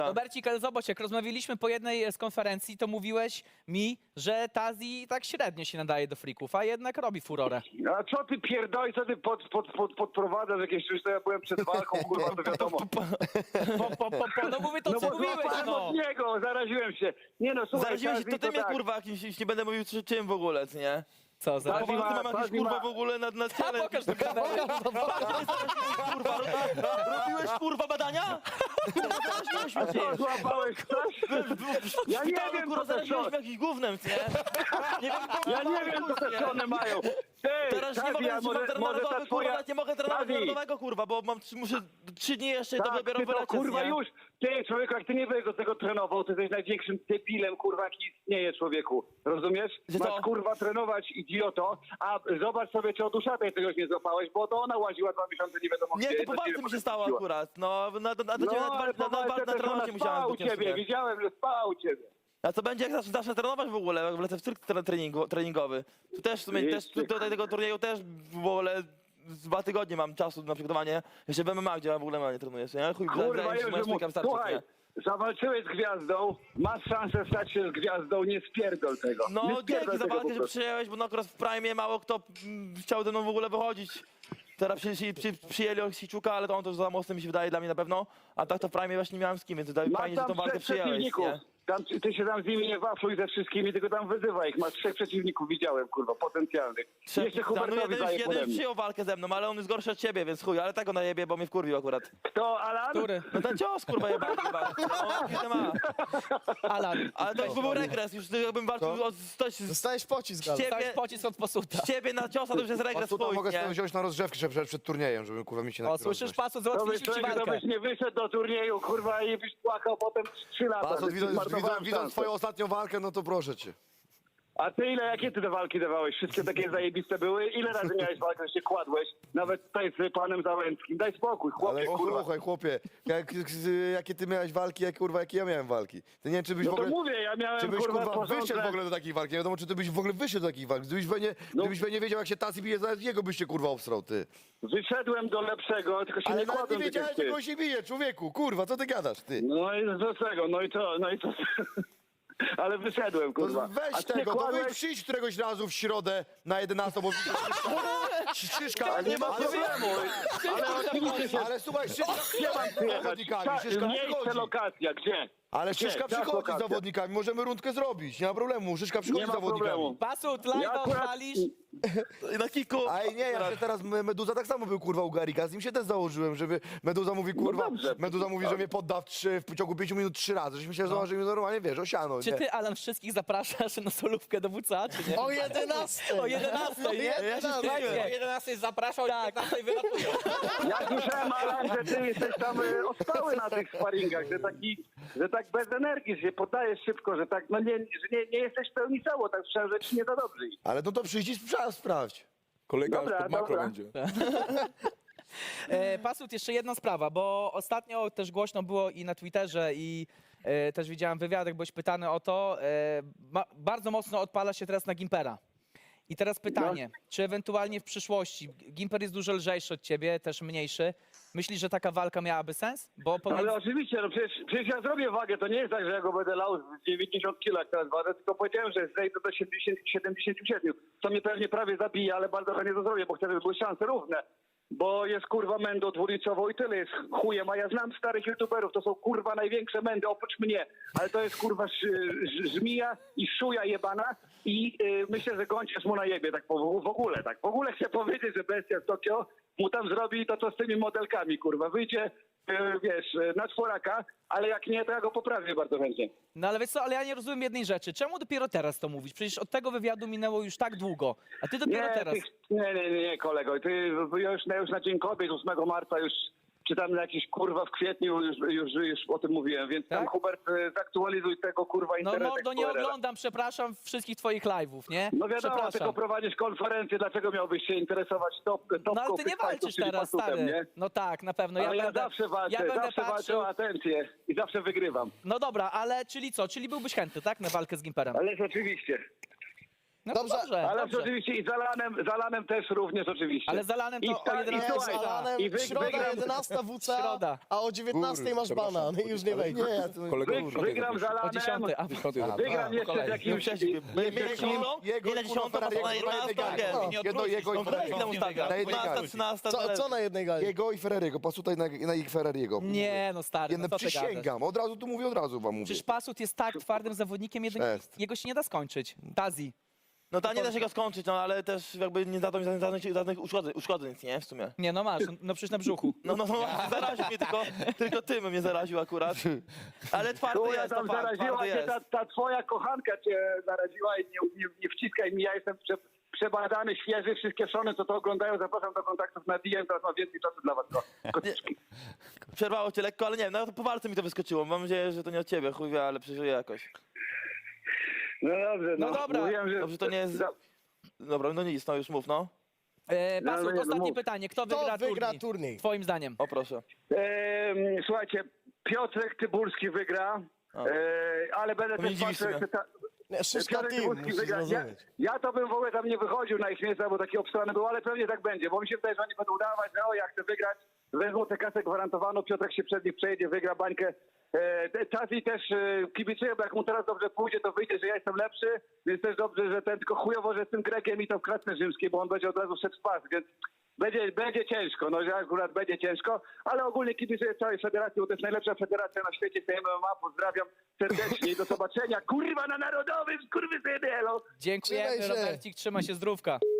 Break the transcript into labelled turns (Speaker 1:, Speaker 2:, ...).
Speaker 1: Robercik, ale zobacz, jak rozmawialiśmy po jednej z konferencji, to mówiłeś mi, że Tazi tak średnio się nadaje do frików, a jednak robi furorę.
Speaker 2: A co ty pierdoli, co ty podprowadzasz jakieś coś, to ja byłem przed walką, kurwa, to wiadomo.
Speaker 1: No mówię to,
Speaker 2: No
Speaker 1: co
Speaker 2: bo
Speaker 1: mówiłeś,
Speaker 2: złapałem
Speaker 1: no.
Speaker 2: od niego, zaraziłem się. Nie no, słuchaj,
Speaker 3: Zaraziłeś się,
Speaker 2: Tazi,
Speaker 3: to ty mnie
Speaker 2: tak.
Speaker 3: kurwa jakimś, nie będę mówił czym w ogóle, nie?
Speaker 1: Co za...
Speaker 2: Tazi
Speaker 3: Poważnie
Speaker 2: ma-
Speaker 3: mam jakieś
Speaker 2: Tazi
Speaker 3: kurwa
Speaker 2: ma-
Speaker 3: w ogóle na
Speaker 1: A
Speaker 3: ciele.
Speaker 1: pokaż do kamery.
Speaker 3: Kurwa, robiłeś kurwa badania? Zaraziłeś mnie
Speaker 2: Co,
Speaker 3: przecież.
Speaker 2: złapałeś coś? Ja nie wiem,
Speaker 3: kurwa,
Speaker 2: co te
Speaker 3: zaraziłeś
Speaker 2: są.
Speaker 3: mnie jakimś gównem, nie? Nie wiem,
Speaker 2: Ja nie wiem, co te strony mają. Ty,
Speaker 3: Teraz nie
Speaker 2: Tazi,
Speaker 3: mogę,
Speaker 2: a
Speaker 3: że mam
Speaker 2: może ta
Speaker 3: narodowy, kurwa,
Speaker 2: twoja...
Speaker 3: nawet nie mogę trenować
Speaker 2: Tazi.
Speaker 3: narodowego, kurwa, bo muszę 3 dni jeszcze i to
Speaker 2: Tak,
Speaker 3: dopiero
Speaker 2: ty to,
Speaker 3: wylecieć,
Speaker 2: kurwa
Speaker 3: nie?
Speaker 2: już, ty człowieku, jak ty nie będziesz do tego trenował, ty jesteś największym debilem, kurwa, jaki istnieje, człowieku. Rozumiesz?
Speaker 3: Że co?
Speaker 2: Masz, kurwa, trenować, idioto, a zobacz sobie, czy od Uszatej czegoś nie złapałeś, bo to ona łaziła 2 miesiące, nie wiadomo
Speaker 3: Nie,
Speaker 2: gdzie.
Speaker 3: to po walce
Speaker 2: ciebie
Speaker 3: mi się stało
Speaker 2: potem
Speaker 3: akurat. No, na ciebie
Speaker 2: No, ale po walce
Speaker 3: na
Speaker 2: też
Speaker 3: trenowanie
Speaker 2: ona
Speaker 3: musiałem
Speaker 2: spała u
Speaker 3: być ciężko,
Speaker 2: ciebie,
Speaker 3: nie?
Speaker 2: widziałem, że spała u ciebie.
Speaker 3: A co będzie, jak zacznę trenować w ogóle, jak wlecę w cyrk treningowy? Tu też w sumie, tutaj tego turnieju też w ogóle z 2 tygodnie mam czasu na przygotowanie. Jeszcze w MMA, gdzie ja w ogóle nie trenuję, nie? Chuj,
Speaker 2: Kurwa,
Speaker 3: zdaje mi się, że moja
Speaker 2: już
Speaker 3: szpilka wystarczy,
Speaker 2: słuchaj,
Speaker 3: nie?
Speaker 2: zawalczyłeś z gwiazdą, masz szansę stać się z gwiazdą, nie spierdol tego. Nie
Speaker 3: No
Speaker 2: spierdol
Speaker 3: dzięki za
Speaker 2: tego po
Speaker 3: walkę, że
Speaker 2: prostu.
Speaker 3: przyjąłeś, bo no akurat w Prime mało kto chciał ze mną w ogóle wychodzić. Teraz przyjęli Osiczuka, ale to on też za mocny mi się wydaje dla mnie na pewno. A tak to w Prime właśnie nie miałem z kim, więc tutaj
Speaker 2: Masz
Speaker 3: fajnie, że tą
Speaker 2: tam
Speaker 3: walkę
Speaker 2: 3
Speaker 3: przyjąłeś,
Speaker 2: przeciwników.
Speaker 3: nie?
Speaker 2: Tam, ty się tam z nimi nie wafluj ze wszystkimi, tylko tam wyzywaj ich. Masz 3 przeciwników, widziałem, kurwa, potencjalnych. Jeszcze
Speaker 3: No
Speaker 2: Hubertowi daje pode
Speaker 3: jeden
Speaker 2: mnie.
Speaker 3: przyjął walkę ze mną, ale on jest gorszy od ciebie, więc chuj, ale tak go najebie, bo mnie wkurwił akurat.
Speaker 2: Kto, Alan?
Speaker 1: Który?
Speaker 3: No ten cios, kurwa, jebany chyba. No, ma.
Speaker 1: Alan,
Speaker 3: Ale to już był regres, już jakbym walczył o coś z
Speaker 4: Dostałeś pocisk, ale...
Speaker 1: dałeś pocisk od posuta.
Speaker 3: ciebie na ciosa, to już jest regres
Speaker 4: Pasuta
Speaker 3: twój,
Speaker 4: mogę sobie
Speaker 3: nie?
Speaker 4: wziąć na rozgrzewkę przed turniejem, żeby kurwa mi się
Speaker 1: O, słyszysz, Pasut,
Speaker 2: To byś,
Speaker 1: załatwiliśmy ci
Speaker 2: człowiek, to
Speaker 1: walkę.
Speaker 2: byś nie wyszedł do turnieju, kurwa, i byś płakał potem 3 lata.
Speaker 4: Pasut,
Speaker 2: że zmarnowałem
Speaker 4: widząc
Speaker 2: szansę.
Speaker 4: twoją ostatnią walkę, no to proszę cię.
Speaker 2: A ty jakie ty te walki dawałeś? Wszystkie takie zajebiste były? Ile razy miałeś walkę, że się kładłeś? Nawet tutaj z panem Załęckim. Daj spokój, chłopie,
Speaker 4: Ale
Speaker 2: kurwa.
Speaker 4: słuchaj, chłopie, jakie ty miałeś walki, jakie ja miałem walki. Ty nie wiem, czy byś
Speaker 2: No
Speaker 4: w
Speaker 2: to
Speaker 4: ogóle...
Speaker 2: mówię, ja miałem,
Speaker 4: Czy byś
Speaker 2: kurwa,
Speaker 4: kurwa
Speaker 2: porządne...
Speaker 4: wyszedł w ogóle do takiej walki? Nie wiadomo, czy ty byś w ogóle wyszedł do takiej walki. Gdybyś nie wiedział, jak się Tazi bije, zaraz jego byś się kurwa obsrał, ty.
Speaker 2: Wyszedłem do lepszego, tylko się
Speaker 4: Ale
Speaker 2: nie
Speaker 4: nawet nie
Speaker 2: kładłem tak jak
Speaker 4: wiedziałeś,
Speaker 2: ty.
Speaker 4: jak on się bije, człowieku, kurwa, co ty gadasz, ty?
Speaker 2: No i do czego? No i co? Ale wyszedłem,
Speaker 4: To
Speaker 2: kurwa. A
Speaker 4: weź
Speaker 2: ty
Speaker 4: tego, to
Speaker 2: kładłeś-
Speaker 4: weź przyjdź któregoś razu w środę na 11, bo Szyszka,
Speaker 2: Nie ma problemu. Ale oczywiście się...
Speaker 4: Ale słuchaj, Szyszka
Speaker 2: Gdzie mam
Speaker 4: z
Speaker 2: przyjechać?
Speaker 4: zawodnikami, Szyszka
Speaker 2: Miejsce,
Speaker 4: przychodzi.
Speaker 2: lokacja, gdzie?
Speaker 4: Ale
Speaker 2: Gdzie?
Speaker 4: Szyszka
Speaker 2: Jaka
Speaker 4: przychodzi z
Speaker 2: lokacja?
Speaker 4: zawodnikami, możemy rundkę zrobić, nie ma problemu, Szyszka przychodzi
Speaker 2: Nie
Speaker 4: z
Speaker 2: ma
Speaker 4: zawodnikami.
Speaker 2: problemu.
Speaker 1: Pasut,
Speaker 2: Ja
Speaker 1: live'a
Speaker 2: akurat...
Speaker 1: odpalisz.
Speaker 3: Na kiku.
Speaker 4: Aj nie, ja się teraz, Meduza tak samo był kurwa u Garika, z nim się też założyłem, żeby Meduza mówi kurwa,
Speaker 2: dobrze.
Speaker 4: Meduza mówi, że mnie podda w ciągu 5 minut 3 razy, żeśmy się założyli normalnie, wiesz, osiano,
Speaker 1: Czy
Speaker 4: nie?
Speaker 1: ty, Alan, wszystkich zapraszasz na solówkę do WCA, czy nie?
Speaker 4: O 11!
Speaker 1: O 11, nie?
Speaker 3: Ja się zdziwiłem.
Speaker 5: O 11 zapraszał, tak. 15 wylatuje.
Speaker 2: Ja słyszałem, Alan, że ty jesteś tam ostały na tych sparingach, że tak bez energii, że się poddajesz szybko, że tak, no nie, że nie jesteś w pełni cało, tak słyszałem, że ci nie za dobrze.
Speaker 4: Ale no to przyjdź i sprawdź.
Speaker 5: Kolega
Speaker 2: Dobra,
Speaker 5: już pod makro
Speaker 2: dobra.
Speaker 5: będzie.
Speaker 1: Pasut, jeszcze jedna sprawa, bo ostatnio też głośno było i na Twitterze, i też widziałem wywiad, jak byłeś pytany o to. Bardzo mocno odpala się teraz na Gimpera. I teraz pytanie, czy ewentualnie w przyszłości, Gimper jest dużo lżejszy od ciebie, też mniejszy, myślisz, że taka walka miałaby sens? Bo
Speaker 2: No,
Speaker 1: pomiędzy...
Speaker 2: ale oczywiście, no przecież ja zrobię wagę, to nie jest tak, że ja go będę lał z 90 kg jak teraz wadę, tylko powiedziałem, że zejdę do 77, co mnie pewnie prawie zabije, ale bardzo chętnie to zrobię, bo chcę, żeby były szanse równe. Bo jest kurwa mendo dwulicowo i tyle jest chujem, a ja znam starych youtuberów, to są kurwa największe mędy oprócz mnie, ale to jest kurwa żmija i szuja jebana i myślę, że Gąciarz mu najebie tak w ogóle, tak. W ogóle chcę powiedzieć, że bestia z Tokio mu tam zrobi to, co z tymi modelkami, kurwa, wyjdzie, wiesz, na czworaka, ale jak nie, to ja go poprawię bardzo chętnie.
Speaker 1: No ale wiesz co, ale ja nie rozumiem jednej rzeczy. Czemu dopiero teraz to mówisz? Przecież od tego wywiadu minęło już tak długo, a ty dopiero teraz.
Speaker 2: Nie, kolego, ty już na Dzień Kobiet 8 marca już czy tam na jakiś kurwa w kwietniu już o tym mówiłem, więc tam
Speaker 1: Tak?
Speaker 2: Hubert zaktualizuj tego kurwa
Speaker 1: No
Speaker 2: internet.
Speaker 1: mordo, nie oglądam, przepraszam, wszystkich twoich live'ów, nie?
Speaker 2: No wiadomo,
Speaker 1: Przepraszam.
Speaker 2: tylko prowadzisz konferencję, dlaczego miałbyś się interesować topką
Speaker 1: No ale ty nie walczysz teraz, stary.
Speaker 2: nie?
Speaker 1: No tak, na pewno.
Speaker 2: Ale ja
Speaker 1: będę,
Speaker 2: zawsze walczę,
Speaker 1: ja będę
Speaker 2: zawsze walczę
Speaker 1: patrzył.
Speaker 2: o atencję i zawsze wygrywam.
Speaker 1: No dobra, ale czyli co? Czyli byłbyś chętny, tak? Na walkę z Gimperem.
Speaker 2: Ależ oczywiście.
Speaker 1: No
Speaker 6: Dobrze,
Speaker 1: dobrze,
Speaker 2: Ale
Speaker 1: dobrze.
Speaker 2: oczywiście i za Lanem też również oczywiście.
Speaker 1: Ale za Lanem to o 11
Speaker 6: Nie,
Speaker 2: słuchaj,
Speaker 6: z Alanem
Speaker 2: i
Speaker 6: środa
Speaker 2: wygram-
Speaker 6: 11 WCA,
Speaker 1: Środa.
Speaker 6: a o 19 masz bana, no i już nie wejdzie.
Speaker 4: Nie, to
Speaker 2: Wygram za
Speaker 1: O
Speaker 2: Lanem,
Speaker 1: 10, a
Speaker 2: wygram jeszcze z jakimś...
Speaker 3: Nie na 10,
Speaker 4: Ferrariego,
Speaker 3: na 11,
Speaker 4: jedno jego i
Speaker 3: No weź tam ustawia.
Speaker 4: Na jednej
Speaker 3: 12,
Speaker 4: gali.
Speaker 3: 13,
Speaker 6: Co na jednej gali?
Speaker 4: Jego i Ferrariego, pasutaj na ich Ferrariego.
Speaker 1: Nie, no stary,
Speaker 4: Jedno
Speaker 1: no co ty gadasz?
Speaker 4: przysięgam, od razu tu mówię, od razu wam mówię.
Speaker 1: Przecież Pasut jest tak twardym zawodnikiem,
Speaker 4: Jest.
Speaker 1: jego się nie da skończyć. Tazi.
Speaker 3: No to nie da się go skończyć, no ale też jakby nie zadał mi żadnych uszkodzeń, nic, nie? W sumie.
Speaker 1: Nie, no masz, no przecież na brzuchu.
Speaker 3: No, zaraził mnie tylko tym mnie zaraził akurat. Ale twardy
Speaker 2: Chuja
Speaker 3: jest,
Speaker 2: tam
Speaker 3: to fakt,
Speaker 2: zaraziła
Speaker 3: twardy
Speaker 2: cię,
Speaker 3: jest.
Speaker 2: ta twoja kochanka cię zaraziła i nie wciskaj mi, ja jestem przebadany, świeży, wszystkie szony, co to oglądają, zapraszam do kontaktów na DM, teraz mam więcej czasu dla was. Kotyczki.
Speaker 3: Przerwało cię lekko, ale nie wiem, no to po walce mi to wyskoczyło. Mam nadzieję, że to nie od ciebie, chuj wie, ale przeżyję jakoś.
Speaker 2: No dobrze,
Speaker 1: No dobra.
Speaker 2: Mówiłem, że...
Speaker 3: Dobrze, to nie jest... Dobra, no nic, no już mów, no.
Speaker 1: Pasut,
Speaker 2: nie,
Speaker 1: ostatnie
Speaker 2: mów.
Speaker 1: pytanie. Kto
Speaker 6: Kto
Speaker 1: wygra
Speaker 6: wygra
Speaker 1: turniej?
Speaker 6: turniej?
Speaker 1: Twoim zdaniem.
Speaker 3: O proszę.
Speaker 2: Słuchajcie, Piotrek Tybulski wygra,
Speaker 3: O.
Speaker 2: ale będę
Speaker 3: To mnie
Speaker 2: też
Speaker 3: dziwi
Speaker 2: patrzył,
Speaker 3: w
Speaker 2: jak
Speaker 3: sumie.
Speaker 6: Nie, szóstka
Speaker 2: Piotrek
Speaker 6: team,
Speaker 2: Tybulski
Speaker 6: musisz
Speaker 2: wygra.
Speaker 6: zrozumieć.
Speaker 2: Ja to bym w ogóle tam nie wychodził na ich miejsca, bo taki obstrany był, ale pewnie tak będzie, bo mi się wydaje, że oni będą udawać, że o, ja chcę wygrać, wezmą tę kasę gwarantowaną, Piotrek się przed nich przejedzie, wygra bańkę. Tazi też kibicuję, bo jak mu teraz dobrze pójdzie, to wyjdzie, że ja jestem lepszy, więc też dobrze, że ten tylko chujowo, że z tym Grekiem i to w klatce rzymskiej, bo on będzie od razu wszedł w pas, więc będzie ciężko, no że akurat będzie ciężko, ale ogólnie kibicuję całej federacji, bo to jest najlepsza federacja na świecie, tej MMA, pozdrawiam serdecznie i do zobaczenia, kurwa, na Narodowym, skurwysyny, elo!
Speaker 1: Dziękujemy,
Speaker 6: Trzymaj się.
Speaker 1: Robercik, trzymaj się zdrówka.